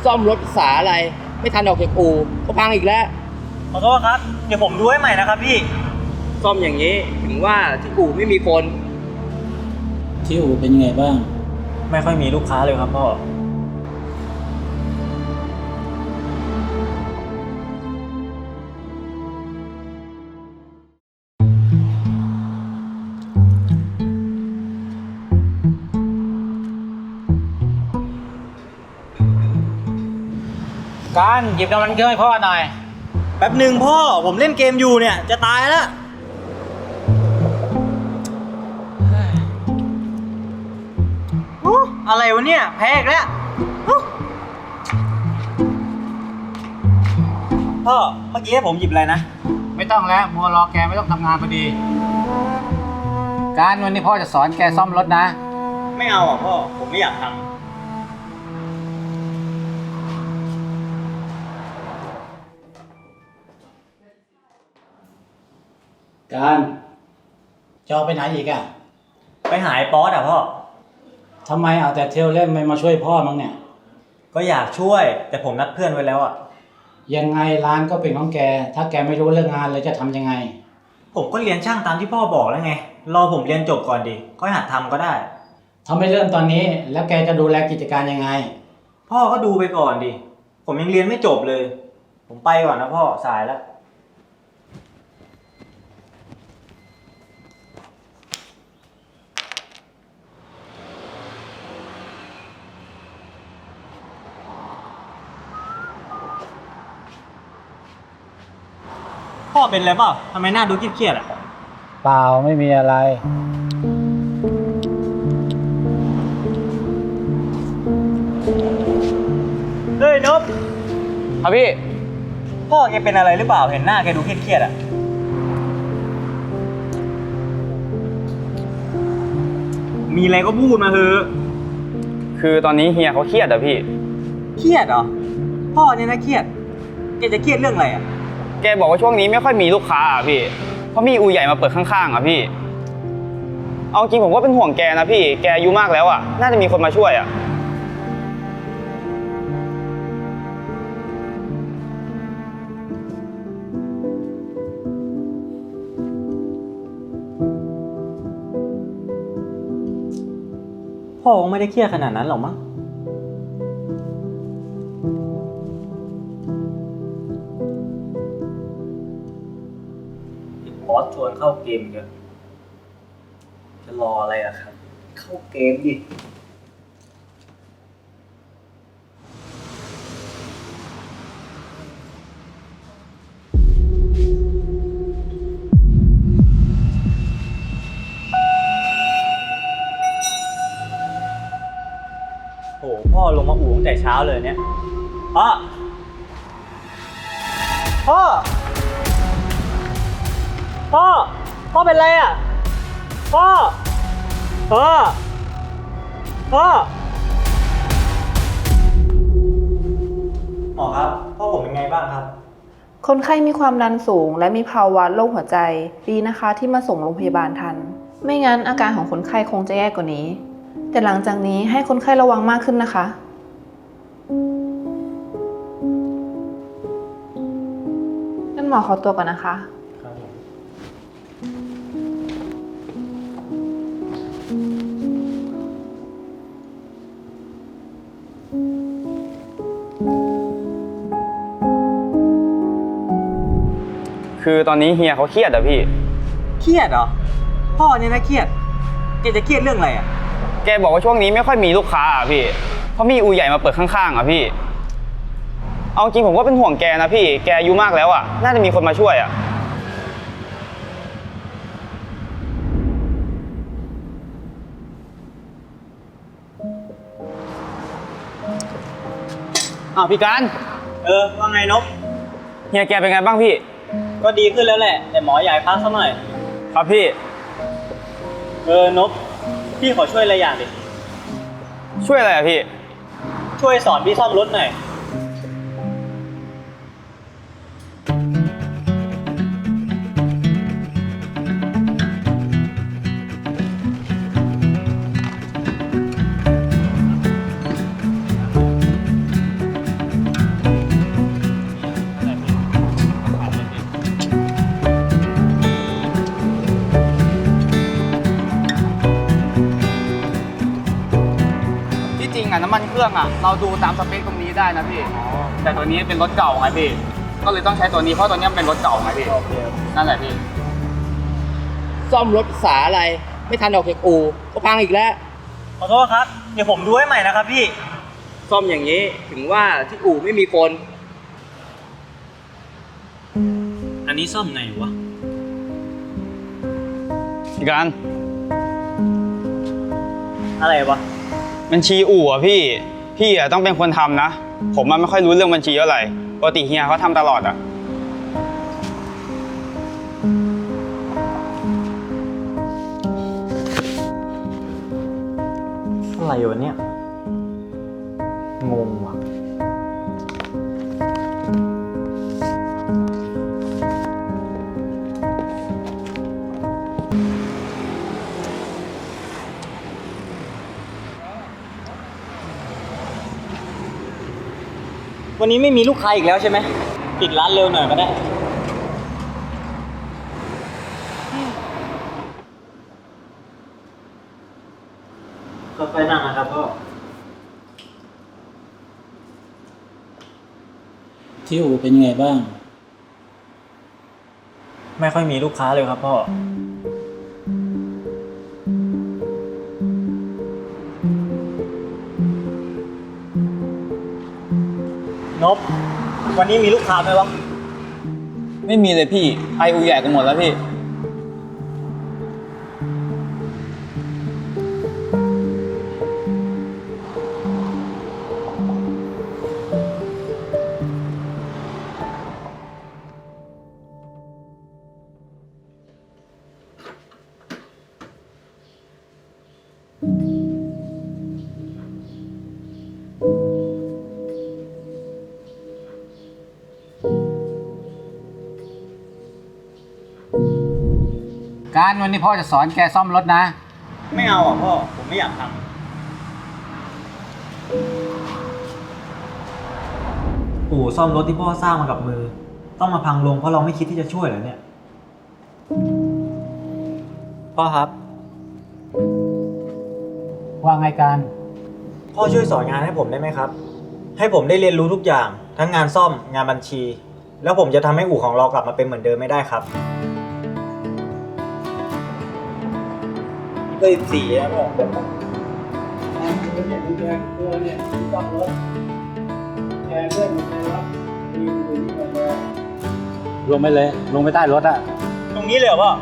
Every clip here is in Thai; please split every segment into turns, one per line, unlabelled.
ซ่อมรถภาษาอะไรไม่ทันออกจากอู่ก็พังอีกแล้ว
ขอโทษครับเดี๋ยวผมดูให้ใหม่นะครับพี่
ซ่อมอย่างนี้ถึงว่าที่อู่ไม่มีคน
ที่อู่เป็นยังไงบ้าง
ไม่ค่อยมีลูกค้าเลยครับพ่อ
การหยิบน้ำมันเครื่องให้พ่อหน่อย
แป๊บหนึ่งพ่อผมเล่นเกมอยู่เนี่ยจะตายแล้วอะไรวะเนี่ยแพ้อีกแล้วพ่อเมื่อกี้ให้ผมหยิบอะไรนะ
ไม่ต้องแล้วมัวรอแกไม่ต้องทำงานพอดีการวันนี้พ่อจะสอนแกซ่อมรถนะ
ไม่เอาอ่ะพ่อผมไม่อยากทำ
การจะเอาไปไหนอีกอะ
ไปหายป๊อตอ่ะพ่อ
ทำไมเอาแต่เที่ยวเล่นไม่มาช่วยพ่อมั้งเนี่ย
ก็อยากช่วยแต่ผมนัดเพื่อนไว้แล้วอ่ะ
ยังไงร้านก็เป็นของแกถ้าแกไม่รู้เรื่องงานเลยจะทำยังไง
ผมก็เรียนช่างตามที่พ่อบอกแล้วไงรอผมเรียนจบก่อนดิค่อยหัดทำก็ได้
ทำไม่เริ่มตอนนี้แล้วแกจะดูแลกิจการยังไง
พ่อก็ดูไปก่อนดิผมยังเรียนไม่จบเลยผมไปก่อนนะพ่อสายแล้วพ่อเป็นอะไรเปล่าทำไมหน้าดูเครียดๆอ่ะ
เปล่าไม่มีอะไร
เฮ้ยนบ
ครับพี่
พ่อแกเป็นอะไรหรือเปล่าเห็นหน้าแกดูเครียดๆอ่ะมีอะไรก็พูดมาเถอะ
คือตอนนี้เฮียเขาเครียดอะพี่
เครียดเหรอพ่อเนี่ยนะเครียดแกจะเครียดเรื่องอะไรอ่ะ
แกบอกว่าช่วงนี้ไม่ค่อยมีลูกค้าอะพี่เพราะมีอู่ใหญ่มาเปิดข้างๆอะพี่เอาจริงผมก็เป็นห่วงแกนะพี่แกอายุมากแล้วอะน่าจะมีคนมาช่วยอะ
พ่อคงไม่ได้เครียดขนาดนั้นหรอกมั้งบอสชวนเข้าเกมเยอะจะรออะไรล่ะครับเข้าเกมดิโหพ่อลงมาอู่ตั้งแต่เช้าเลยเนี่ยพ่อพ่อเป็นไรอ่ะพ่อหมอครับพ่อผมเป็นไงบ้างครับ
คนไข้มีความดันสูงและมีภาวะโรคหัวใจดีนะคะที่มาส่งโรงพยาบาลทันไม่งั้นอาการของคนไข้คงจะแย่กว่านี้แต่หลังจากนี้ให้คนไข้ระวังมากขึ้นนะคะงั้นหมอขอตัวก่อนนะคะ
คือตอนนี้เฮียเขาเครียดอะพี่
เครียดเหรอพ่อเนี่ยนะเครียดแกจะเครียดเรื่องอะไรอ่ะ
แกบอกว่าช่วงนี้ไม่ค่อยมีลูกค้าอะพี่เพราะมีอู่ใหญ่มาเปิดข้างๆอะพี่เอาจริงผมก็เป็นห่วงแกนะพี่แกอายุมากแล้วอะน่าจะมีคนมาช่วยอะอ้าวพี่การ
ว่าไงนบ
เฮียแกเป็นไงบ้างพี่
ก็ดีขึ้นแล้วแหละแต่หมออยากพักสักหน่อย
ครับพี่
นบพี่ขอช่วยอะไรอย่างดิ
ช่วยอะไรอะพี่
ช่วยสอนพี่ซ่อมรถหน่อย
รื่องอ่ะ เราดูตามสเปคตรงนี้ได้นะพี่ แต่ตัวนี้เป็นรถเก่าไงพี่ ก็เลยต้องใช้ตัวนี้เพราะตัวนี้มันเป็นรถเก่าไงพี่
โอเค
นั่นแหละพี่
ซ่อมรถสาอะไร ไม่ทันออกจากอู่ก็พังอีกแล้ว
ขอโทษครับ เดี๋ยวผมดูให้ใหม่นะครับพี่
ซ่อมอย่างนี้ถึงว่าที่อู่ไม่มีคน
อันนี้ซ่อมไงวะ
พี่การ
อะไรวะ
บัญชีอู่อ่ะพี่ พี่อ่ะต้องเป็นคนทำนะ ผมมันไม่ค่อยรู้เรื่องบัญชีเท่าไหร่ปกติเฮียเขาทำตลอดอ่ะ
อะไรวะเนี่ย งงว่ะ วันนี้ไม่มีลูกค้าอีกแล้วใช่ไหม ปิดร้านเร็วหน่อยก็ได้ค่อยๆนั่งนะครับพ่อ
ที่อู่เป็นไงบ้าง
ไม่ค่อยมีลูกค้าเลยครับพ่อ นบ วันนี้มีลูกค้าไหมวะ
ไม่มีเลยพี่ไปอู่ใหญ่กันหมดแล้วพี่
การวันนี้พ่อจะสอนแกซ่อมรถนะ
ไม่เอาอ่ะพ่อ ผมไม่อยากทำอู่ซ่อมรถที่พ่อสร้างมากับมือ ต้องมาพังลงเพราะเราไม่คิดที่จะช่วยเหรอเนี่ย พ่อครับ
ว่าไงการ
พ่อช่วยสอนงานให้ผมได้ไหมครับ ให้ผมได้เรียนรู้ทุกอย่าง ทั้งงานซ่อม งานบัญชี แล้วผมจะทำให้อู่ของเรากลับมาเป็นเหมือนเดิมไม่ได้ครับเลยสี่แล้วพ่อ
ลงไปเลย ลงไปใต้รถอะ
ตรงนี้เลยเหรอพ่อ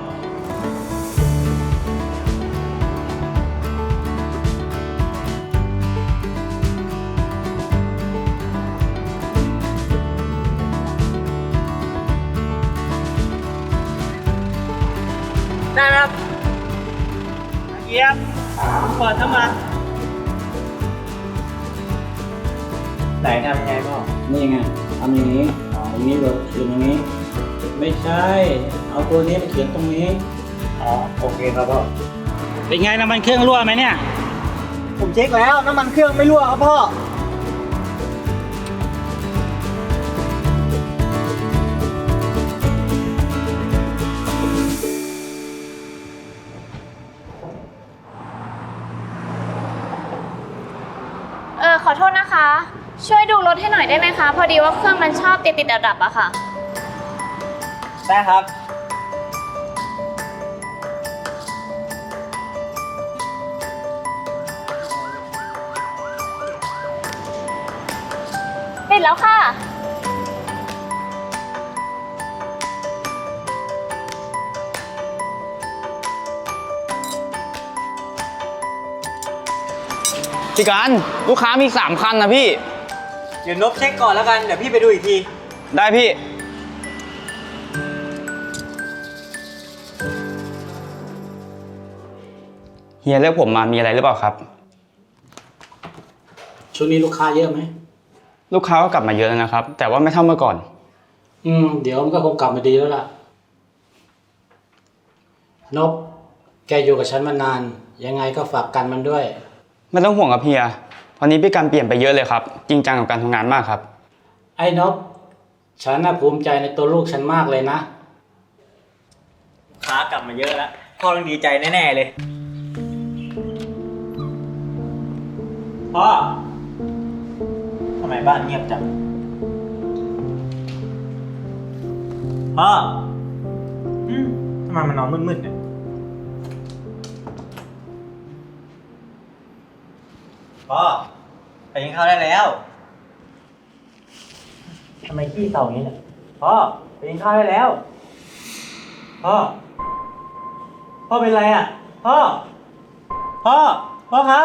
ได้ไหมครับเยี่ยมเปิดเข้ามา ไหนทำยังไงพ่อ
นี่ไงทำอย่างนี้ตรงนี้เลยเขียนอย่างนี้ ไม่ใช่ เอาตัวนี้มาเขียนตรงนี้
อ๋อ โอเคครับพ่อ
เป็นไงน้ำมันเครื่องรั่วไหมเนี่ย
ผมเช็คแล้วน้ำมันเครื่องไม่รั่วครับพ่อ
ขอโทษนะคะ ช่วยดูรถให้หน่อยได้ไหมคะ พอดีว่าเครื่องมันชอบติดดับๆอะค่ะ
ได้ครับ
ติดแล้วค่ะ
พี่การลูกค้ามี3 คันนะพี่
เดี๋ยวนบเช็คก่อนแล้วกัน เดี๋ยวพี่ไปดูอีกที
ได้พี่ เฮียเรียกผมมามีอะไรหรือเปล่าครับ
ช่วงนี้ลูกค้าเยอะไหม
ลูกค้าก็กลับมาเยอะแล้วนะครับ แต่ว่าไม่เท่าเมื่อก่อน
เดี๋ยวมันก็คงกลับมาดีแล้วล่ะ นบ แกอยู่กับฉันมานาน ยังไงก็ฝากกันมันด้วย
ไม่ต้องห่วงครับเฮียตอนนี้พี่การเปลี่ยนไปเยอะเลยครับ จริงจังกับการทำงานมากครับ
ไอ้นบ ฉันน่ะภูมิใจในตัวลูกฉันมากเลยนะ
ค้ากลับมาเยอะแล้ว พ่อต้องดีใจแน่ๆเลย พ่อบ้านเงียบจังพ่อทำไมมันนอนมืดๆเนี่ยพ่อไปกินข้าวได้แล้วทำไมขี้เศร้าอย่างนี้เนี่ยพ่อไปกินข้าวได้แล้วพ่อเป็นไรอ่ะพ่อครับ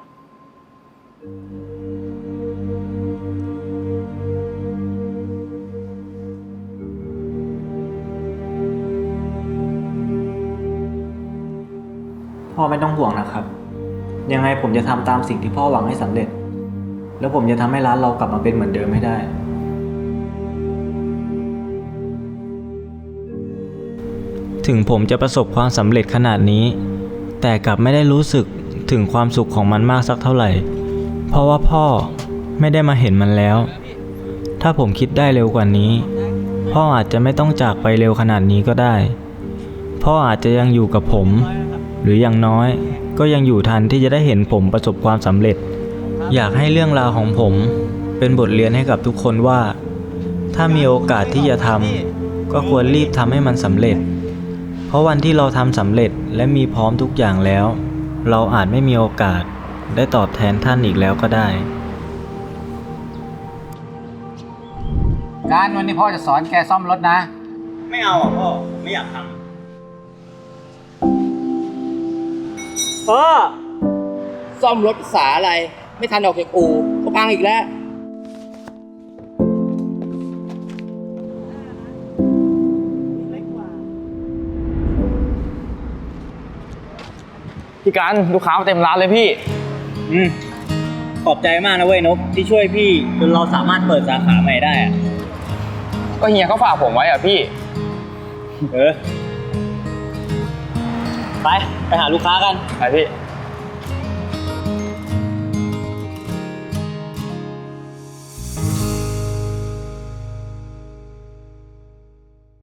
พ่อไม่ต้องห่วงนะครับ ยังไงผมจะทำตามสิ่งที่พ่อหวังให้สำเร็จ แล้วผมจะทำให้ร้านเรากลับมาเป็นเหมือนเดิมให้ได้
ถึงผมจะประสบความสำเร็จขนาดนี้ แต่กลับไม่ได้รู้สึกถึงความสุขของมันมากสักเท่าไหร่ เพราะว่าพ่อไม่ได้มาเห็นมันแล้ว ถ้าผมคิดได้เร็วกว่านี้ พ่ออาจจะไม่ต้องจากไปเร็วขนาดนี้ก็ได้ พ่ออาจจะยังอยู่กับผม หรืออย่างน้อยก็ยังอยู่ทันที่จะได้เห็นผมประสบความสำเร็จ อยากให้เรื่องราวของผมเป็นบทเรียนให้กับทุกคนว่า ถ้ามีโอกาสที่จะทำก็ควรรีบทำให้มันสำเร็จ เพราะวันที่เราทำสำเร็จและมีพร้อมทุกอย่างแล้ว เราอาจไม่มีโอกาสได้ตอบแทนท่านอีกแล้วก็ได้
การวันนี้พ่อจะสอนแกซ่อมรถนะ
ไม่เอาอ่ะพ่อ ไม่อยากทำพ่อ
ซ่อมรถภาษาอะไร ไม่ทันออกจากอู่ก็พังอีกแล้ว
พี่การลูกค้าเต็มร้านเลยพี่
ขอบใจมากนะเว้ยนกที่ช่วยพี่จนเราสามารถเปิดสาขาใหม่ได้อะ
ก็เฮียเขาฝากผมไว้อ่ะพี่
ไปหาลูกค้ากัน
ไปพี่
ไ